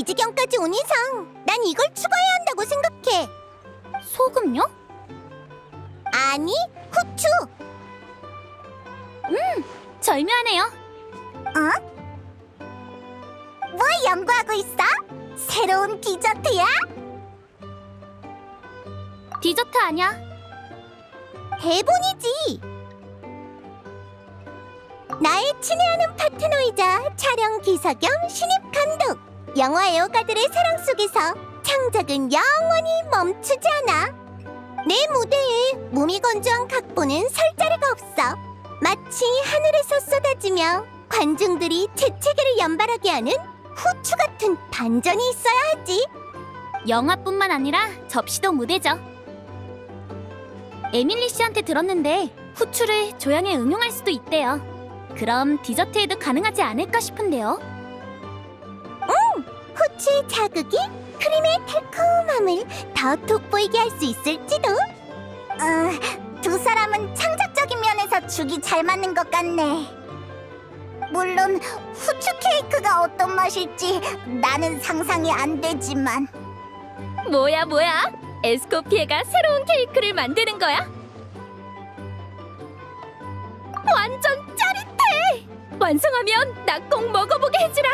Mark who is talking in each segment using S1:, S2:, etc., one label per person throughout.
S1: 지경까지 온 이상 난 이걸 추가해야 한다고 생각해.
S2: 소금요?
S1: 아니, 후추.
S2: 절묘하네요.
S1: 뭐 연구하고 있어? 새로운 디저트야?
S2: 디저트 아니야.
S1: 대본이지. 나의 친애하는 파트너이자 촬영 기사 겸 신입 감독. 영화 애호가들의 사랑 속에서 창작은 영원히 멈추지 않아. 내 무대에 무미건조한 각본은 설 자리가 없어. 마치 하늘에서 쏟아지며 관중들이 재채기를 연발하게 하는 후추 같은 반전이 있어야 하지.
S2: 영화뿐만 아니라 접시도 무대죠. 에밀리 씨한테 들었는데 후추를 조향에 응용할 수도 있대요. 그럼 디저트에도 가능하지 않을까 싶은데요.
S1: 후추의 자극이 크림의 달콤함을 더 돋보이게 할 수 있을지도. 두 사람은 창작적인 면에서 죽이 잘 맞는 것 같네. 물론 후추 케이크가 어떤 맛일지 나는 상상이 안 되지만.
S2: 뭐야? 에스코피에가 새로운 케이크를 만드는 거야? 완전 짜릿해! 완성하면 나 꼭 먹어보게 해주라!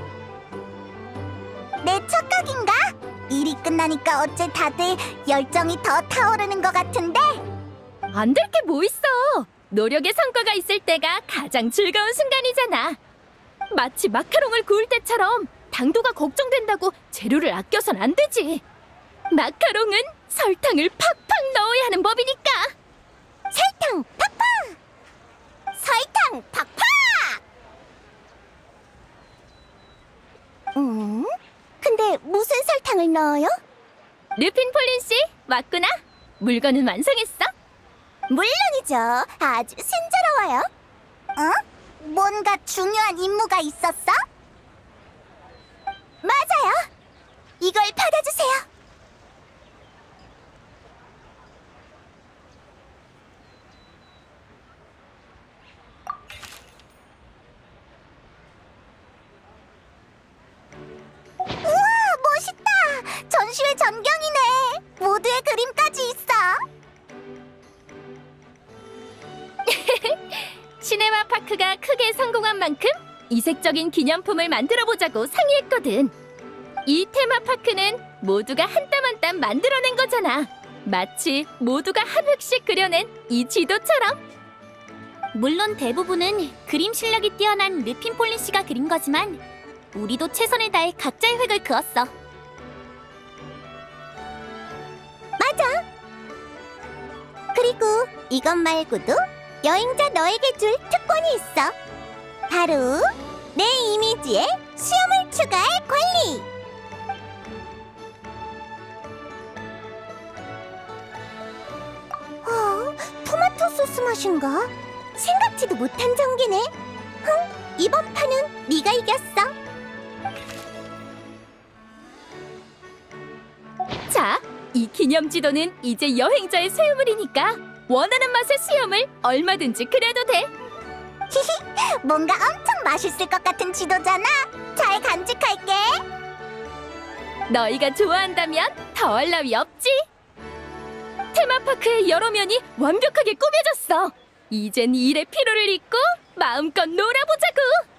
S1: 내 착각인가? 일이 끝나니까 어째 다들 열정이 더 타오르는 것 같은데?
S2: 안 될 게 뭐 있어! 노력의 성과가 있을 때가 가장 즐거운 순간이잖아. 마치 마카롱을 구울 때처럼 당도가 걱정된다고 재료를 아껴선 안 되지. 마카롱은 설탕을 팍팍 넣어야 하는 법이니까.
S1: 설탕 팍팍! 설탕 팍팍! 근데 무슨 설탕을 넣어요?
S2: 르핀 폴린 씨, 왔구나. 물건은 완성했어?
S1: 물론이죠. 아주 순조로워요. 뭔가 중요한 임무가 있었어? 맞아요. 이걸 받아주세요. 우와, 멋있다. 전시회 전경이네. 모두의 그림까지 있어.
S2: 시네마 파크가 크게 성공한 만큼 이색적인 기념품을 만들어보자고 상의했거든. 이 테마파크는 모두가 한 땀 한 땀 만들어낸 거잖아. 마치 모두가 한 획씩 그려낸 이 지도처럼. 물론 대부분은 그림 실력이 뛰어난 르핀 폴린 씨가 그린 거지만 우리도 최선을 다해 각자의 획을 그었어.
S1: 맞아. 그리고 이것 말고도 여행자 너에게 줄 특권이 있어. 바로 내 이미지에 수염을 추가할 권리. 토마토 소스 맛인가? 생각지도 못한 전개네. 이번 판은 네가 이겼어.
S2: 자, 이 기념 지도는 이제 여행자의 소유물이니까 원하는 맛의 수염을 얼마든지 그려도 돼.
S1: 뭔가 엄청 맛있을 것 같은 지도잖아. 잘 간직할게.
S2: 너희가 좋아한다면 더할 나위 없지. 테마파크의 여러 면이 완벽하게 꾸며졌어. 이젠 일의 피로를 잊고 마음껏 놀아보자고.